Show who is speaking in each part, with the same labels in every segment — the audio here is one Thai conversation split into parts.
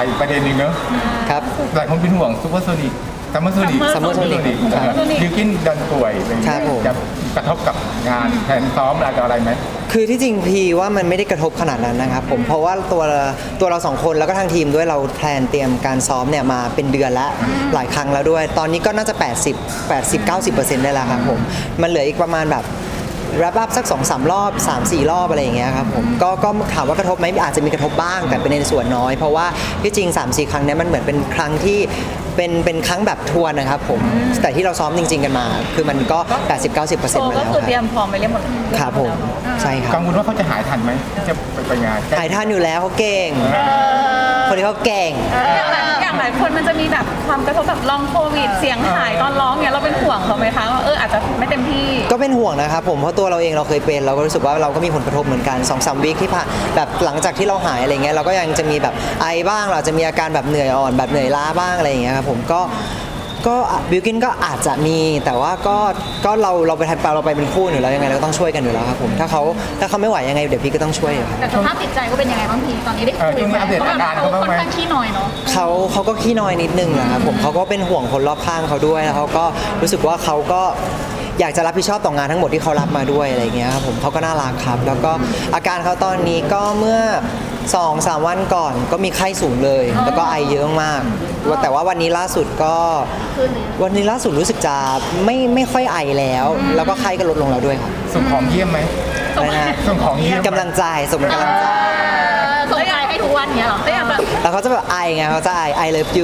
Speaker 1: อีกประเด็นหนึ่งเนอะ
Speaker 2: ครับ
Speaker 1: หลายคนเป็นห่วงซูเปอร์โซนิกซัมเมอร์โซนิก
Speaker 2: Summer Sonic
Speaker 1: บิวกินดันป่วยอะไรอย่าง
Speaker 2: ครั
Speaker 1: เงี้
Speaker 2: บผม
Speaker 1: ยจะกระทบกับงานแผนซ้อมอะไรไหม
Speaker 2: คือที่จริงพีว่ามันไม่ได้กระทบขนาดนั้นนะครับผมเพราะว่าตัวเราสองคนแล้วก็ทางทีมด้วยเราแพลนเตรียมการซ้อมเนี่ยมาเป็นเดือนแล้วหลายครั้งแล้วด้วย ตอนนี้ก็น่าจะ 80-90% ได้แล้วครับผมมันเหลืออีกประมาณแบบรับสัก 2-3 รอบ 3-4 รอบอะไรอย่างเงี้ยครับผมก็ถามว่ากระทบไหมอาจจะมีกระทบบ้างแต่เป็นในส่วนน้อยเพราะว่าที่จริง 3-4 ครั้งเนี้ยมันเหมือนเป็นครั้งที่เป็นครั้งแบบทัวร์นะครับผมแต่ที่เราซ้อมจริง ๆกันมา คือมันก็ 80-90% มาแล้ว
Speaker 3: ก็คือเตรียมพร้อมไปเรียบหมด
Speaker 2: ครับผมใช่ครับ
Speaker 1: กังวลว่าเขาจะหายทันไหมที่จะไปงาน
Speaker 2: หายท่านอยู่แล้วเขาเก่งคนนี้เขาเก่ง
Speaker 3: อย่างหลายคนมันจะมีแบบความกระทบแบบลองโควิดเสียงหายตอนร้องเนี่ยเราเป็นห่วงเขาไหมคะว่าอาจจะไม่เต็มที่
Speaker 2: ก็เป็นห่วงนะครับผมเพราะตัวเราเองเราเคยเป็นเราก็รู้สึกว่าเราก็มีผลกระทบเหมือนกัน 2-3 วีคที่ผ่านแบบหลังจากที่เราหายอะไรเงี้ยเราก็ยังจะมีแบบไอบ้างเราจะมีอาการแบบเหนื่อยอ่อนแบบเหนื่อยล้าบ้างอะไรอย่างเงี้ยครับผมก็บิวกินก็อาจจะมีแต่ว่าก็เราไปเราไปเป็นคู่อยู่แล้วยังไงเราก็ต้องช่วยกันอยู่แล้วครับผมถ้าเขาไม่ไหวยังไงเดี๋ยวพี่ก็ต้องช่วยอยู่ครับ
Speaker 3: แต่สภาพจิตใจก็เป็นยังไงบ้างพี่ตอนนี้ได้คุยไหมเขาแบบเขาค่อนข้างขี้น้อยเนาะ
Speaker 2: เขาก็ขี้น้อยนิดนึงนะครับผมเขาก็เป็นห่วงคนรอบข้างเขาด้วยแล้วเขาก็รู้สึกว่าเขาก็อยากจะรับผิดชอบต่องานทั้งหมดที่เขารับมาด้วยอะไรเงี้ยครับผมเขาก็น่ารักครับแล้วก็อาการเขาตอนนี้ก็เมื่อ 2-3 วันก่อนก็มีไข้สูงเลยแล้วก็ไอเยอะมากแต่ว่าวันนี้ล่าสุดรู้สึกจะไม่ค่อยไอแล้วก็ไข้ก็ลดลงแล้วด้วยครับ
Speaker 1: ส่งของเยี่ยมไหม
Speaker 2: อะไรนะ
Speaker 1: ส่งของเยี่ยม
Speaker 2: กำลังใจส่งกำลังใจ
Speaker 3: ส่งใจให้ทุกวันเนี้ยหรอไม่อยากแบบ
Speaker 2: แล้วเขาจะแบบไอไงเขาจะไอเลิฟยู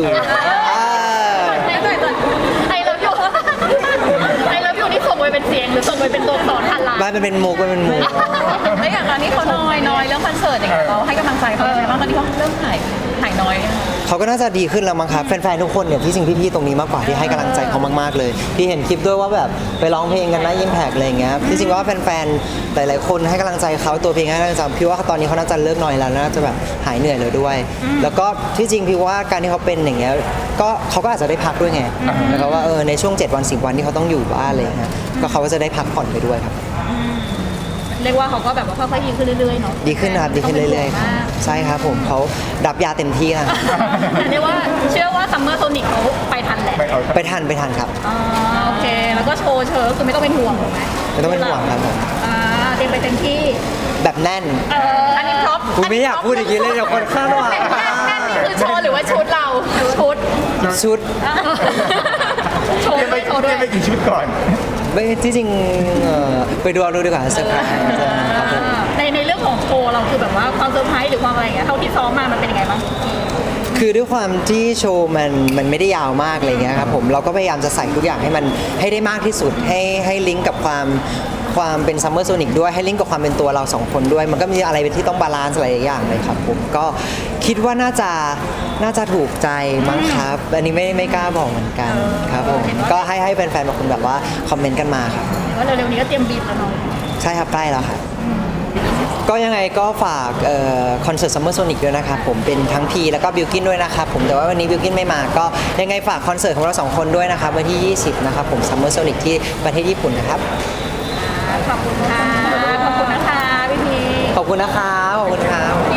Speaker 3: ไอเลิฟยูไอเลิฟยูนี่ส่งไปเป็นเสียงหรือส่งไปเป็นตัวอักษรพันล้าน
Speaker 2: บ้านมันเป็นมุกแล้ว
Speaker 3: อย่างตอนนี้เขาน้อยเรื่องคอนเสิร์ตอย่างเงี้ยเราให้กำลังใจเขาไหมบ้างตอนนี้เขาเริ่มหายน้อย
Speaker 2: เขาก็น่าจะดีขึ้นแล้วมั้งครับแฟนๆทุกคนเนี่ยที่จริงพี่ๆตรงนี้มากกว่าที่ให้กำลังใจเขามากๆเลยพี่เห็นคลิปด้วยว่าแบบไปร้องเพลงกันนะยิ้มแพกอะไรอย่างเงี้ยที่จริงว่าแฟนๆหลายๆคนให้กำลังใจเขาตัวเพลงให้กำลังใจพี่ว่าตอนนี้เขาน่าจะเลิกน้อยแล้วน่าจะแบบหายเหนื่อยเลยด้วยแล้วก็ที่จริงพี่ว่าการที่เขาเป็นอย่างเงี้ยก็เขาก็อาจจะได้พักด้วยไงนะครับว่าในช่วง7 วัน 10 วันที่เขาต้องอยู่บ้านอะไรอย่างเงี้ยก็เขาก็จะได้พักผ่อนไปด้วยครับ
Speaker 3: เรียกว่าเขาก็แบบว่าค่อยๆดีขึ้นเรื่อยๆเนาะ
Speaker 2: ดีขึ้นครับดีขึ้นเรื่อยๆครับใช่ครับผมเขารับยาเต็มที่แล้ว
Speaker 3: เรียกว่าเชื่อว่าซัมเมอร์โซนิกเขาไปทันแหละ
Speaker 2: ไปทันครับ
Speaker 3: โอเคแล้วก็โชว์เชิญคือไม่ต้องเป็นห่วงถูกไหม
Speaker 2: ไม่ต้องเป็นห่วงครับผม
Speaker 3: เตรียมไปเต็มที่
Speaker 2: แบบแน่น
Speaker 3: อันนี้พร็อพ
Speaker 2: กูไม่อยากพูดอย่างนี้เลยเดี๋ยวคนคาดหวัง
Speaker 3: แน่นนี่คือโชว์หรือว่าชุดเราชุด
Speaker 2: โชว์
Speaker 3: โชว์ด้วย
Speaker 1: ไปกี่ชุดก่อน
Speaker 2: ไม่ที่จริงไปดูเอาดูดีกว่าเซอร์ไพรส์ครับผม
Speaker 3: ในเรื่องของโชว์เราคือแบบว่าความเซอร์ไพรส์หรือความอะไรอย่างเงี้ยเท่าที่ซ้อมมามันเป็นยังไงบ้าง
Speaker 2: คือด้วยความที่โชว์มันไม่ได้ยาวมากอะไรเงี้ยครับผมเราก็พยายามจะใส่ทุกอย่างให้มันให้ได้มากที่สุดให้ลิงก์กับความเป็นซัมเมอร์โซนิกด้วยให้ลิงก์กับความเป็นตัวเรา2 คนด้วยมันก็มีอะไรเป็นที่ต้องบาลานซ์หลายอย่างเลยครับผมก็คิดว่าน่าจะถูกใจมั้งครับอันนี้ไม่กล้าบอกเหมือนกันครับผมก็ให้แฟนๆบางคนแบบว่าคอมเมนต์กันมาครับ
Speaker 3: ว่าเร็วๆนี้ก็เตรียมบีบแล้วเนาะ
Speaker 2: ใช่ครับใกล้แล้วครับก็ยังไงก็ฝากคอนเสิร์ตซัมเมอร์โซนิกด้วยนะครับผมเป็นทั้งพีแล้วก็บิลกินด้วยนะครับผมแต่ว่าวันนี้บิลกินไม่มาก็ยังไงฝากคอนเสิร์ตของเรา2 คนด้วยนะครับวันที่20นะครับผมซัมเมอร์โซนิกที่ประเทศญี่ปุ่นนะครับ
Speaker 3: ขอบคุณค่ะขอบคุณนะคะพี่พี
Speaker 2: ขอบคุณนะครับขอบคุณครับ